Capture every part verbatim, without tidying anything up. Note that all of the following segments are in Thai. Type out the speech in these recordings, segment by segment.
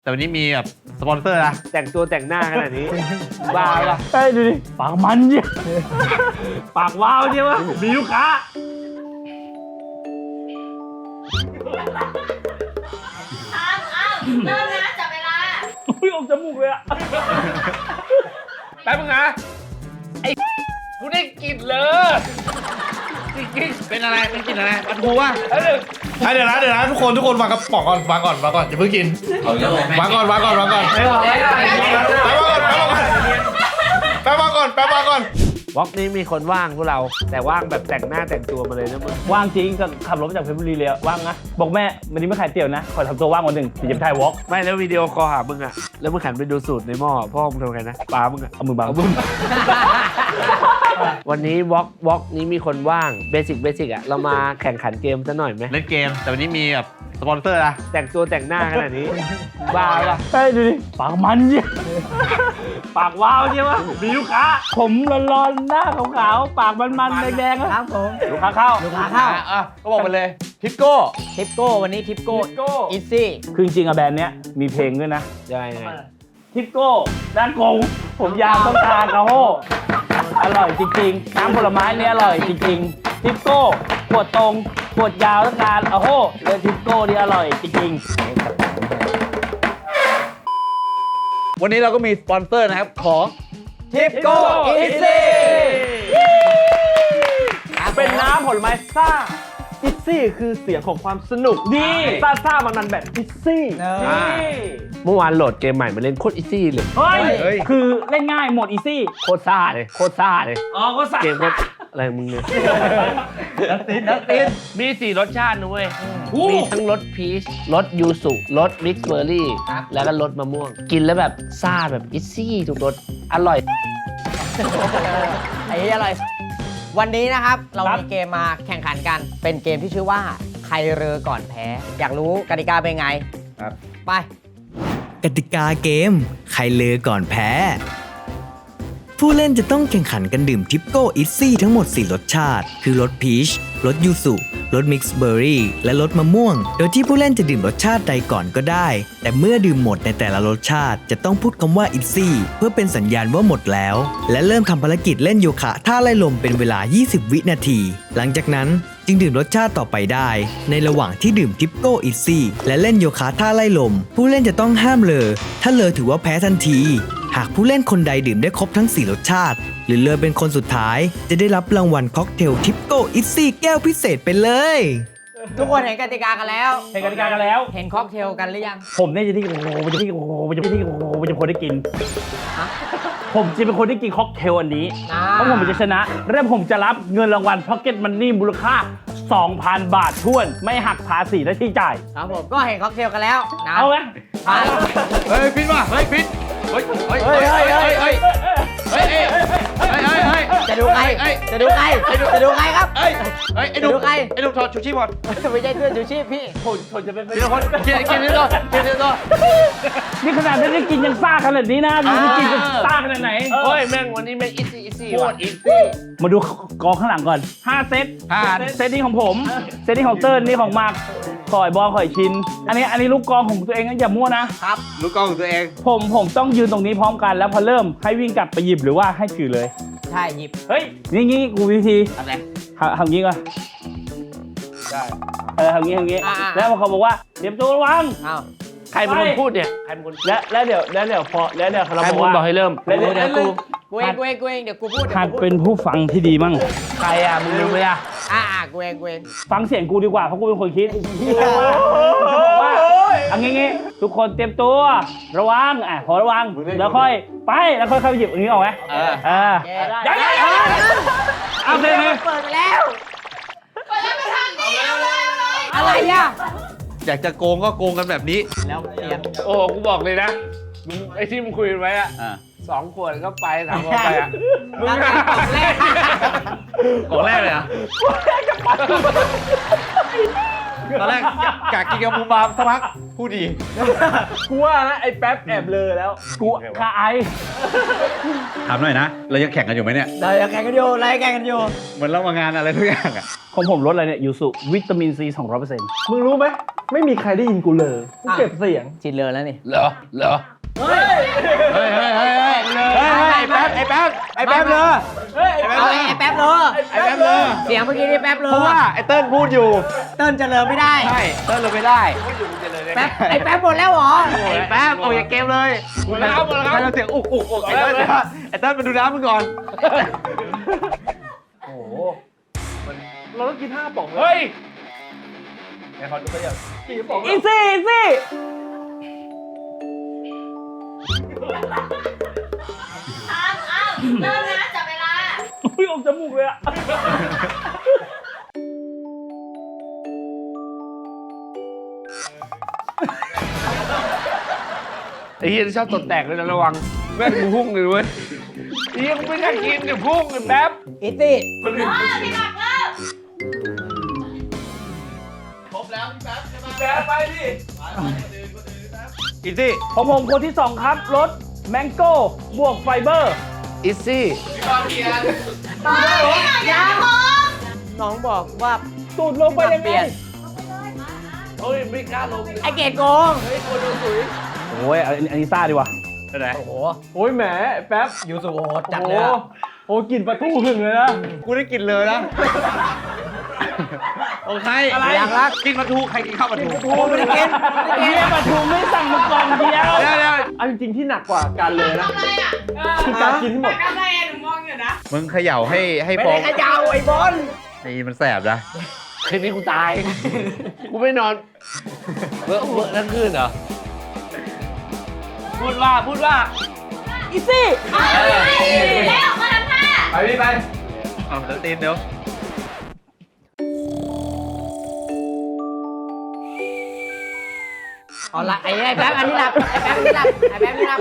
แต่วันนี้มีแบบสปอนเซอร์นะแต่งตัวแต่งหน้าขนาดนี้บ้าปะเฮ้ยดูดิปากมันเนี่ยปากว้าวเนี่ยวะมีลูกค้าอ้าวอ้าวเริ่มนะจับเวลาอุ้ยอมจมูกเลยอะแป๊บนึงนะไอ้กูได้กลิ่นเลยจริงๆเป็นอะไรเป็นกลิ่นอะไรปลาทูวะเดี๋ยวนะเดี๋ยวนะทุกคนทุกคนวางกระป๋องก่อนวางก่อนวางก่อนอย่าเพิ่งกินวางก่อนวางก่อนวางก่อนไม่บอกไม่ได้แป๊บวางก่อนแป๊บวางก่อนแป๊บวางก่อนวอล์กนี้มีคนว่างพวกเราแต่ว่างแบบแต่งหน้าแต่งตัวมาเลยนะมึงว่างจริงก็ขับรถมาจากเพชรบุรีเลยอะว่างนะบอกแม่วันนี้ไม่ขายเตี๋ยวนะขอทำตัวว่างวันหนึ่งถึงจะไปถ่ายวอล์กไม่แล้ววิดีโอคอลหามึงอะแล้วมึงหันไปดูสูตรในหม้อพ่อมึงทำไงนะปลามึงอะเอามือบังเอามึง วันนี้วอล์กวอล์กนี้มีคนว่างเบสิกเบสิกอะเรามาแข่งขันเกมซะหน่อยไหมเล่นเกมแต่วันนี้มีแบบสปอนเซอร์นะแต่งตัวแต่งหน้าขนาดนี้บ้าปะเฮ้ยดูดิปากมันเนี่ยปากว้าวเนี่ยวะมีลูกค้าผมร้อนๆหน้าขาวๆปากมันๆแดงๆครับผมลูกค้าเข้าลูกค้าเข้าอ่ะก็บอกไปเลยทิปโก้ทิปโก้วันนี้ทิปโก้อีซี่คือจริงๆอะแบรนด์เนี้ยมีเพลงด้วยนะยังไงยังไงทิปโก้ด้านกงผมยาวต้องการกระโฮอร่อยจริงๆน้ำผลไม้เนี่ยอร่อยจริงๆทิปโก้ขวดตรงขวดยาวต้องการกระโฮเลยทิปโก้นี่อร่อยจริงๆวันนี้เราก็มีสปอนเซอร์นะครับของทิปโก้อีซี่เป็นน้ำผลไม้ซ่าอิซซี่คือเสียงของความสนุกดีซ่าซ่ามันมันแบบอิซซี่นี่เมื่อวานโหลดเกมใหม่มาเล่นโคตรอีซี่เลยเฮ้ยคือเล่นง่ายหมดอีซี่โคตรซ่าเลยโคตรซ่าเลยอ๋อก็ซ่าเกมโคตรอะไรมึงเนี่ยดักตินดักตินมีสี่รสชาตินะเว้ยมีทั้งรสพีชรสยูสุรสมิกซ์เบอร์รี่แล้วก็รสมะม่วง กินแล้วแบบซ่าแบบอีซี่ทุกรสอร่อยไอ้นี่อะไรวันนี้นะครับเรามีเกมมาแข่งขันกันเป็นเกมที่ชื่อว่าใครเรือก่อนแพ้ อยากรู้กติกาเป็นไงครับไปกติกาเกม ใครเลอก่อนแพ้ ผู้เล่นจะต้องแข่งขันกันดื่มทิปโก้อิซซี่ทั้งหมดสี่รสชาติ คือรสพีชรสยูสุรสมิกซ์เบอร์รี่และรสมะม่วง โดยที่ผู้เล่นจะดื่มรสชาติใดก่อนก็ได้ แต่เมื่อดื่มหมดในแต่ละรสชาติจะต้องพูดคำว่าอิซซี่เพื่อเป็นสัญญาณว่าหมดแล้ว และเริ่มทำภารกิจเล่นโยคะท่าไล่ลมเป็นเวลา ยี่สิบ วินาที หลังจากนั้นจึงดื่มรสชาติต่อไปได้ ในระหว่างที่ดื่มทิปโก้อิซซี่และเล่นโยคะท่าไล่ลม ผู้เล่นจะต้องห้ามเลอถ้าเลอถือว่าแพ้ทันที หากผู้เล่นคนใดดื่มได้ครบทั้งสี่รสชาติ หรือเลอเป็นคนสุดท้าย จะได้รับรางวัลค็อกเทลทิปโก้อิซซี่แก้วพิเศษไปเลยทุกคนเห็นกติกากันแล้วเห็นกติกากันแล้วเห็นค็อกเทลกันหรือยังผมเนี่ยจะที่โอ้โหมันจะที่โอ้โหมันจะที่โอ้โหมันจะคนได้กิน ผมจะเป็นคนที่กินค็อกเทลอันนี้อ่าเพราะผมจะชนะและผมจะรับเงินรางวัลพ็อกเก็ตมันนี่มูลค่า สองพัน บาทท้วน ไม่หักภาษีและที่จ่ายครับผมก็เห็นค็อกเทลกันแล้วนะเอาไหมไปเฮ้ยพิษว่ะเฮ้ยพิษเฮ้ยเฮ้ยเฮ้ยเฮ้ยเฮ้ยเฮ้ยเฮ้ยเฮ้ยเฮ้ยเฮ้ยเฮ้ยจะดูใครจะดูใครจะดูใครครับเฮ้ยเฮ้ยไอ้หนุ่มดูใครไอ้หนุ่มถอดชูชีพก่อนไม่ใช่เพื่อนชูชีพพี่คนคนจะเป็นเดี๋ยวคนเกียร์เกียร์นี่ต่อเกียร์นี่ต่อนี่ขนาดไม่ได้กินยังซ่าขนาดนี้นะดูไม่กินจะซ่าขนาดไหนเฮ้ยแม่งวันนี้แม่งอีซี่อีซี่โคตรอีซี่มาดูกองข้างหลังก่อนห้าเซตห้าเซตนี้ของผม เซตนี้ของเติ้ลนี่ของมาร์คข่อยบอลข่อยชิน อันนี้อันนี้ลูกกองของตัวเองนะอย่ามั่วนะลูกกล้องของตัวเองผมผมต้องยืนตรงนี้พร้อมกันแล้วพอเริ่มให้วิ่งกลับไปหยิบหรือว่าให้ถือเลยใช่หยิบเฮ้ยนี่งี้กูวิธีอะไรทำทำงี้ก่อนได้เออทำงี้ทำงี้อ่าๆแล้วเขาบอกว่าเตรียมตัวระวังอ้าวใครเป็นคนพูดเนี่ยใครเป็นคนและแล้วเดี๋ยวแล้วเดี๋ยวพอแล้วเดี๋ยวเราใครบเป็อน กคนว่าบอกให้เริ่มแล้วเดี๋ยวเดี๋ยวกูกูเองกูเองกูเองเดี๋ยวกูพูดเดี๋ยวหัดกูพูดเป็นผู้ฟังที่ดีมั่งใครอ่ะมึงลืมเลยอ่ะอ่าอ่ากูเองกูเองฟังเสียงกูดีกว่าเพราะกูเป็นคนคิดว่าเอางี้งี้ทุกคนเตรียมตัวระวังอ่ะพอระวังแล้วค่อยไปแล้วค่อยเข้าหยิบอันนี้ออกไหมเออเออแกได้ยังยังยังเอาเลยเลยเปิดไปแล้วเปิดแล้วไปทางนี้เอาเลยเอาเลยอะไรอ่ะอยากจะโกงก็โกงกันแบบนี้แล้วเตรียมโอ้กูบอกเลยนะมึงไอ้ที่มึงคุยกันไว้อะสองขวดก็ไปสามขวดไปอะมึงนั่นไงกล่องแรกของแรกเลยอ่ะตอนแรกกะกินกับมูมามสักพักพูดดีกูว่านะไอ้แป๊บแอบเลอแล้ว กูคาไอถามหน่อยนะ เรายังแข่งกันอยู่ไหมเนี่ยเราจะแข่งกันอยู่เราจะแข่งกันอยู่เหมือนเรามางานอะไรทุกอย่างอะของผมรสอะไรเนี่ยยูสุวิตามินซีสองร้อยเปอร์เซ็นต์มึงรู้ไหมไม่มีใครได้ยินกูเลยกูเก็บเสียงชินเลยแล้วนี่เหรอเหรอเฮ้ยเฮ้ยเฮ้ยเฮ้ยเฮ้ยไอ้แป๊บไอ้แป๊บไอ้แป๊บเลยเอาไอ้แป๊บเลยไอ้แป๊บเลยเสียงเมื่อกี้นี่แป๊บเลยเพราะว่าไอ้เติ้ลพูดอยู่เติ้ลจะเลยไม่ได้ใช่เติ้ลเลยไม่ได้แป๊บไอ้แป๊บหมดแล้วเหรอไอ้แป๊บออกจากเกมเลยหมดแล้วหมดแล้วครับเราเสียงอุกอุกอุกไอ้เติ้ลไอ้เติ้ลมาดูน้ำมึงก่อนเราต้องกินห้าป่องเลยเฮ้ยกี่ป่องอีซี่อีซี่ทามอ้าวเริ่มนะจับเวลาอุ้ยออกจมูกเลยอะไอ้เหี้ยที่ชอบตดแตกเลยนะระวังแม่งกูพุ่งเลยเว้ยไอ้เหี้ยกูไม่ได้กินเดี๋ยวพุ่งเลยแป๊บอีซี่เออพี่หมักเริ่มอีซี่ของผมคนที่สองครับรสแมงโก้บวกไฟเบอร์อิซี่เฮ้ยอย่าโมงน้องบอกว่าสูตรลงไปยังเปไงลี่ยนเฮ้ยไม่กล้าลงไอเกดโกงโอ้ยอันนี้อันนี้ซ่าดีว่ะอะไรโอ้โหโอ้ยแหมแป๊บยูสุโหดจัดโอ้เลยอะโหกลิ่นปลาทูหึงเลยนะกูได้กินเลยนะโอ้ใครอะไรอย่างรักกินปลาทูใครกินข้าวปลาทูโอ้ไม่ได้กินไม่ได้กินเฮียปลาทูไม่สั่งมาก่อนเดียวเดี๋ยวเดี๋ยวเอาจริงๆที่หนักกว่าการเลยนะทำอะไรอ่ะคือการกินที่หมดทำอะไรอ่ะหนูมองอยู่นะมึงเขย่าให้ให้ไม่ฟอได้งขยาวไอ้บอลนี่มันแสบนะคืนนี้กูตาย กูไม่นอนเบื่อเบื่อทั้งคืนเหรอ พูดว่าพูดว่าอีซี่เอาแล้วมาทำท่าไปพี่ไปเอาเดี๋ยวตีนเดี๋ยวเอาละไอ้ไอ้แป๊บอันนี้หลับไอ้แป๊บอันนี้หลับไอ้แป๊บอันนี้หลับ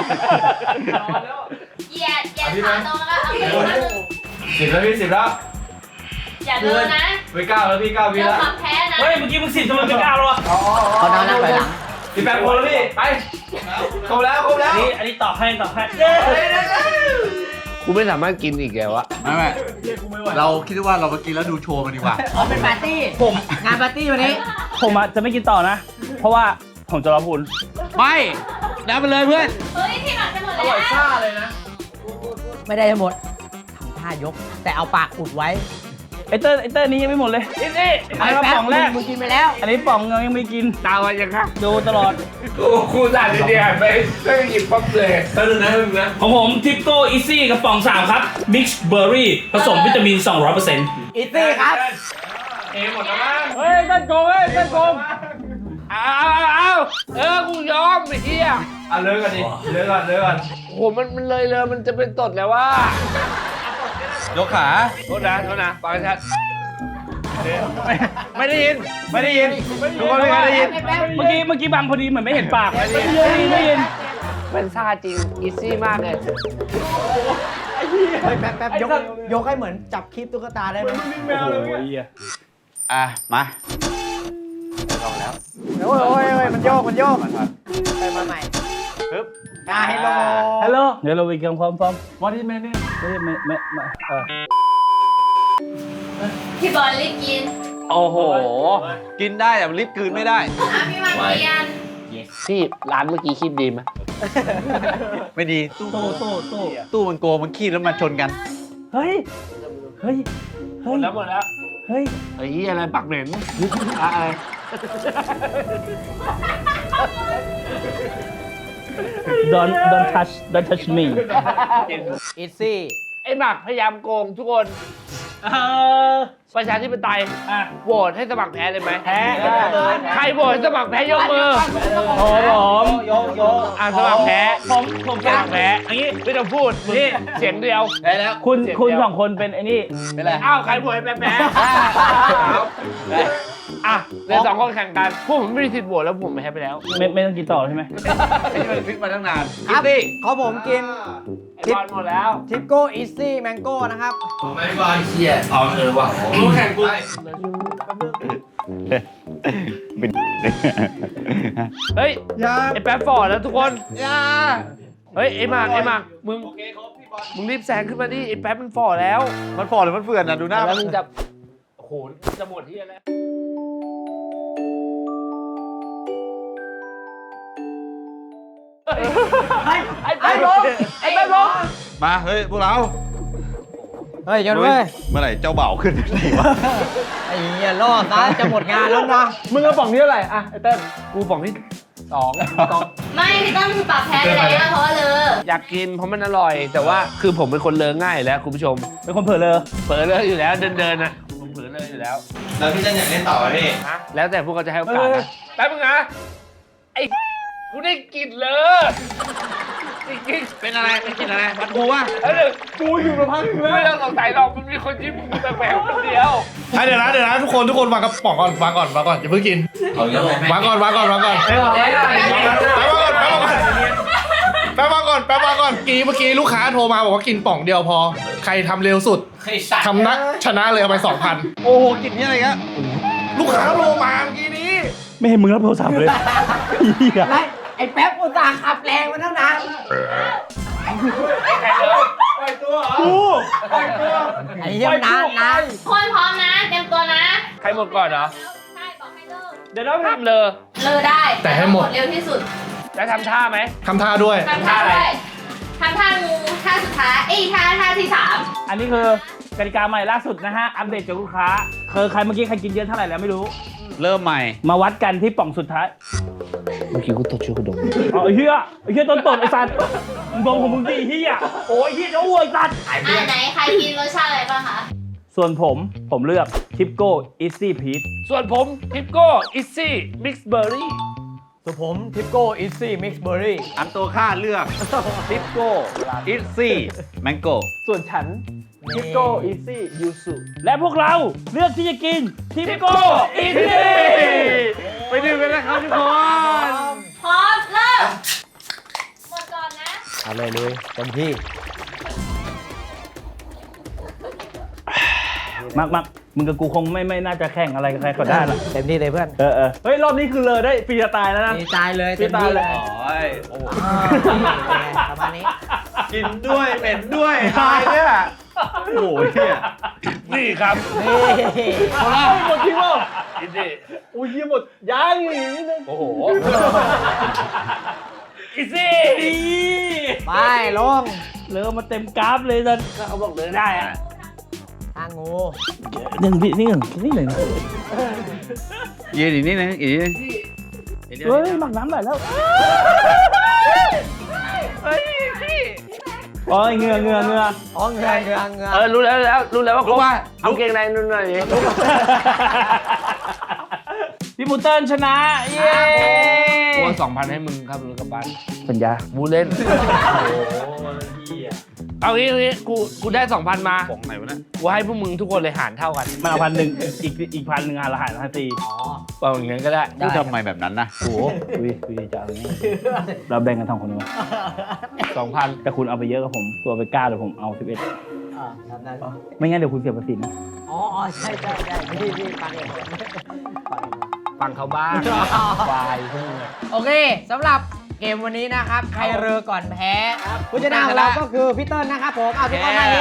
เหยียดเหยียดขาตรงแล้วก็เอามือมาหนึ่งสิบแล้วพี่สิบแล้วอย่าเดินนะไปเก้าแล้วพี่เก้าวิเริ่มแล้วความแพ้นะเฮ้ยเมื่อกี้มึงสิบทำไมไม่กล้าหรอเขานอนนั่งไปหลังพี่แป๊บคนแล้วพี่ไปครบแล้วครบแล้วนี่อันนี้ตอบให้ตอบให้กูไม่สามารถกินอีกแล้วอะไม่ไม่เราคิดว่าเรามากินแล้วดูโชว์มันดีกว่าอ๋อเป็นปาร์ตี้ผมงานปาร์ตี้วันนี้ผมอะจะไม่กินต่อนะ เพราะว่าผมจะรอพูนไม่น้ำไปเลยเพื่อนเฮ้ยพี่หมักจะหมดแล้วไม่ได้ทั้งหมดทำท่ายก แต่เอาปากอุดไว้ไอเตอร์ไอเตอร์นี้ยังไม่หมดเลยอีซี่อันนี้แป๊บป่องแรกมึงกินไปแล้วอันนี้ป่องยังไม่กินตาวันยังคะดูตลอดโอ้กูสั่นเดียวไปไม่หยิบปั๊บเลยของผมทิปโก้อีซี่กระป๋องสามครับมิกซ์เบอร์รี่ผสมวิตามิน สองร้อยเปอร์เซ็นต์อีซี่ครับเอหมดแล้วมั้งเฮ้ยต้นโกงเฮ้ยต้นโกงเอาเอาเอาเออ กูยอมไอ้เหี้ยอ่ะเลิกกันดิเลิกก่อนเลิกก่อนโอ้โหมันมันเลยเลยมันจะเป็นตดแล้วว่ายกขาโทษนะโทษนะฟังชัดไม่ได้ยิน ไม่ได้ยินทุกคนไม่ได้ยินเมื่อกี้เมื่อกี้บังพอดีเหมือนไม่เห็นปากไม่ได้ยินไม่ได้ยินเป็นซ่าจริง อีซี่มากเลยเฮ้ยแป๊บแป๊บยกยกให้เหมือนจับคลิปตุ๊กตาได้ไหมโอ้โหเหี้ยอ่ะ มาโอ้ยโอ้ยโอ้ยมันโยกมันโยกไปมาใหม่ปึ๊บอ่าเฮลโลฮัลโหลเดี๋ยวเราไปกินพร้อมพร้อมวันที่แม่เนี่ยไม่ไม่ไม่ไม่เออพี่บอลรีบกินโอ้โห กินได้แต่มันลิบกลืนไม่ได้อ่ะพี่หมักเรียนพี่ร้านเมื่อกี้คิดดีไหมไม่ดีตู้โต้โต้โต้ตู้มันโกงมันขี้แล้วมาชนกันเฮ้ยเฮ้ยหมเฮ้ยดแล้วหมดแล้วเฮ้ยไอ้เหี้ยอะไรปักเหม็นอะอะไรดอนดอนทัชดอนทัชมีอีซี่ไอ้หมักพยายามโกงทุกคนเออประชาธิปไตยอ่ะโหวตให้สมัครแพ้เลยไหมแพ้ใครโหวตให้สมัครแพ้ยกมือโอ้ผมโยกโยกอ่ะสมัครแพ้ผมผมสมัครแพ้อันนี้ไม่ต้องพูดมึงนี่เสียงเดียวได้แล้วคุณคุณสองคนเป็นไอ้นี่เป็นไรอ้าวใครโหวตให้แพ้แพ้อ่ะในสองคนแข่งกันพวกผมไม่มีสิทธิ์โหวตแล้วผมแพ้ไปแล้วไม่ไม่ต้องกินต่อใช่ไหมที่มันฟิตมาตั้งนานครับเขาผมกินไอ้บอลหมดแล้วทิปโก้อีซี่แมงโก้นะครับไม่บอลเชียร์อ๋อเออว่ะรู้แข่งกูเป็นเฮ้ยยาไอ้แป๊บฟอร์ดแล้วทุกคนยาเฮ้ยไอ้หมากไอ้หมากมึงมึงรีบแซงขึ้นมาดิไอ้แป๊บมันฟอร์ดแล้วมันฝ่อหรือมันเฟื่อนนะดูหน้าแล้วมึงจะโอ้โหจะหมดที่แล้วไอ้แป๊บลงไอ้แป๊บลงมาเฮ้ยพวกเราเฮ้ยยนเว้ยเมื่อไหร่เจ้าบ่าวขึ้นไหนวะไอ้เหี้ยรอดนะจะหมดงานแล้วนะมึงเอาป่องที่เท่าไหร่อะไอ้เต้นกูบอกที่สองสองไม่พี่ต้นคือปรับแพ้ไปแล้วเพราะว่าเลยอยากกินเพราะมันอร่อย แต่ว่าคือผมเป็นคนเลอะง่ายอยู่แล้วคุณผู้ชมเป็นคนเผลอเลยเผลอเลอะอยู่แล้วเดินเดินๆนะผมเผลอเลอะอยู่แล้วแล้วพี่เต้นอยากเล่นต่อไหมพี่ฮะแล้วแต่พวกเขาจะให้โอกาสนะแป๊บนึงนะไอ้กูได้กลิ่นเลยจริงๆเป็นอะไรเป็นกินอะไรมันกูวะเอ้ยกูอยู่มาพักนึงแล้วไม่ต้องสงสัยหรอกมันมีคนยิ้มกูแปลกๆคนเดียวให้เดี๋ยวนะเดี๋ยวนะทุกคนทุกคนวางกระป๋องก่อนวางก่อนวางก่อนอย่าเพิ่งกินเอาเยอะไหมวางก่อนวางก่อนวางก่อนไม่บอกไม่ได้แป๊บวางก่อนแป๊บวางก่อนแป๊บวางก่อนแป๊บวางก่อนกี้เมื่อกี้ลูกค้าโทรมาบอกว่ากินป่องเดียวพอ ใครทำเร็วสุดทำนะชนะเลยเอาไปสองพันโอ้โหกินนี่อะไรกันลูกค้าโทรมาเมื่อกี้นี้ไม่เห็นมึงรับโทรศัพท์เลยเหี้ยไอ้ไอ้แป๊บอุตส่าห์ขับแรงมาตั้งนานกูไอ้เหี้ยมันนานนานคนพร้อมนะเตรียมตัวนะใครหมดก่อนเหรอใช่บอกให้เลิกเดี๋ยวนะทำเลยเลิกได้แต่ให้หมดเร็วที่สุดแล้วทำท่าไหมทำท่าด้วยทำท่าด้วยทำท่างูท่าสุดท้ายเอ้ยท่าท่าที่สามอันนี้คือกติกาใหม่ล่าสุดนะฮะ อัปเดตจากลูกค้าคือใครเมื่อกี้ใครกินเยอะเท่าไหร่แล้วไม่รู้เริ่มใหม่มาวัดกันที่ป่องสุดท้ายเมื่อกี้กูตดช่วยกูดมเอาไอ้เหี้ยไอ้เหี้ยต้นตดไอ้สัตว์มึงดมของมึงดิไอ้เหี้ยโอ้ยไอ้เหี้ยจะอ้วยสัตว์อ่าไหนใครกินรสชาติอะไรบ้างคะส่วนผมผมเลือกทิปโก้อีซี่พีชส่วนผมทิปโก้อิซซี่มิกซ์เบอร์รี่ส่วนผมทิปโก้อิซี่มิกซ์เบอร์รี่อันตัวข้าเลือกทิปโก้อิซี่แมงโก้ส่วนฉันทิปโก้อีซี่ยูสุและพวกเราเลือกที่จะกินทิปโก้อีซี่ไปดูกันนะครับทุกคนพร้อมเริ่มหมดก่อนนะเอาเลยเลยเต็มที่มักมักมึงกับกูคงไม่ไม่น่าจะแข่งอะไรกับใครก็ได้ละเต็มที่เลยเพื่อนเออเออเฮ้ย รอบนี้คือเลยได้ฟรีสไตล์แล้วนะดีใจเลยฟรีเต็มสไตที่ล์เลเลย ยโอ้ยโอ้อ่าประมาณนี้กินด้วยเป็นด้วยตายเนี่ยโอ้ยเนี่ยนี่ครับนี่เอาละหมดทีมแล้วอิซซี่อุ้ยหมดยังอีกนิดนึงโอ้โหอิซซี่ดีไปลงเริ่มมาเต็มกราฟเลยสันก็เขาบอกเลยได้อะทางงูหนึ่งพี่นี่หนึ่งนี่หนึ่งยืนอีกนิดนึงอีกนิดนึงเฮ้ยหมักน้ำไหลแล้วโอ้ยเหงือเหงือเหงืออ๋อเงือเงือเงือเออรู้แล้วรู้แล้วรู้แล้วว่าเขาเอาเกงในนู่นหน่อยดิพี่มูเติ้ลชนะ เย้โอนสองพันให้มึงครับมึงกลับบ้านสัญญาบูเล่น เอางี้เอางี้กูกูได้สองพันมาของไหนวะเนี่ยกูให้พวกมึงทุกคนเลยหารเท่ากันมันเอาพันหนึ่งอีกอีกพันหนึ่งอ่ะละหารละตีเอาอย่างนั้นก็ได้พูดทำไมแบบนั้นนะโอ้โหคุยคุยจะเอาอย่างนี้เราแบ่งกันสองคนดีกว่าสองพันแต่คุณเอาไปเยอะกับผมตัวไปเก้าเดี๋ยวผมเอาสิบเอ็ดอ่าครับได้ไม่งั้นเดี๋ยวคุณเสียภาษีนะอ๋ออ๋อใช่ใช่ใช่พี่พี่ฟังเองฟังเองฟังเขาบ้างวายพวกมึงอะโอเคสำหรับเกมวันนี้นะครับ ใครเรือก่อนแพ้ผู้ชนะของเราก็คือพี่เติ้ลนะครับผมเอาทุกคนมาเฮ้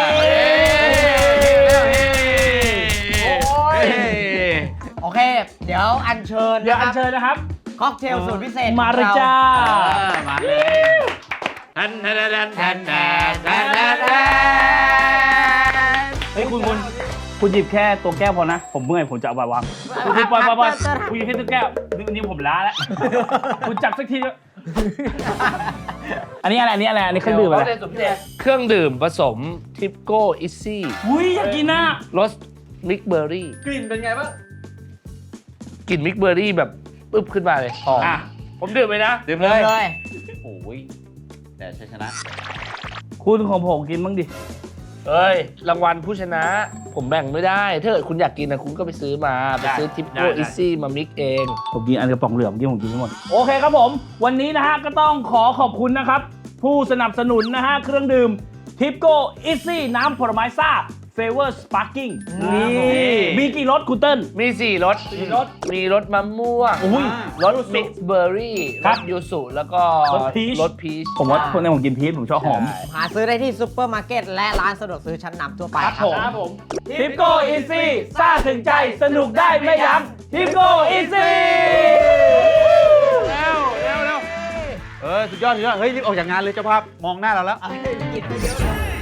โอเค เดี๋ยวอัญเชิญเดี๋ยวนะคอัรัญบเชิญนะครับค็อกเทลสูตรพิเศษมาเลยจ้ามาเลยทันทันทันทันทันทันทันทันเฮ้ยคุณคุณคุณหยิบแค่ตัวแก้วพอนะ ผมเมื่อยผมจะเอาไปวางคุณคุณปล่อยปล่อยปล่อยคุณหยิบแค่ตัวแก้วนี่นี่ผมล้าแล้ว คุณจับสักทีเถอะอันนี้อะไรอันนี้อะไรอันนี้เครื่องดื่มอะไรเครื่องดื่มผสมทิปโก้อิซี่อุ้ยอยากกินน่ะรสมิกเบอร์รี่กลิ่นเป็นไงบ้างกลิ่นมิกเบอร์รี่แบบปึ๊บขึ้นมาเลยหอมอ่ะผมดื่มไปนะดื่มเลเลย ยเลยโอ้ยแต่ชัยชนะคุณของผมกินบ้างดิเอ้ย รางวัลผู้ชนะ ผมแบ่งไม่ได้ ถ้าเกิดคุณอยากกินนะคุณก็ไปซื้อมา ไปซื้อทิปโก้อิซี่มามิกเองผมกินอันกระป๋องเหลืองเมื่อกี้ผมกินทั้งหมด โอเคครับผม วันนี้นะฮะก็ต้องขอขอบคุณนะครับ ผู้สนับสนุนนะฮะ เครื่องดื่มทิปโก้อิซี่น้ำผลไม้ซ่าเฟเวอร์สปาร์กิ้งนี่มีกี่รสคุณเติ้ลมีสี่รสมีรสมะม่วงอุ้ยรสมิกซ์เบอร์รี่ครรับสยูสุแล้วก็รสพีชรสพีชผมว่าคนในผมกินพีชผมชอบหอมหาซื้อได้ที่ซุปเปอร์มาร์เก็ตและร้านสะดวกซื้อชั้นนำทั่วไปครับผมทิปโก้อีซี่ซ่าถึงใจสนุกได้ไม่ยั้งทิปโก้อีซี่แล้วแล้วแล้วเออสุดยอดสุดยอดเฮ้ยรีบออกจากงานเลยเจ้าภาพมองหน้าเราแล้วกินไปเยอะเลย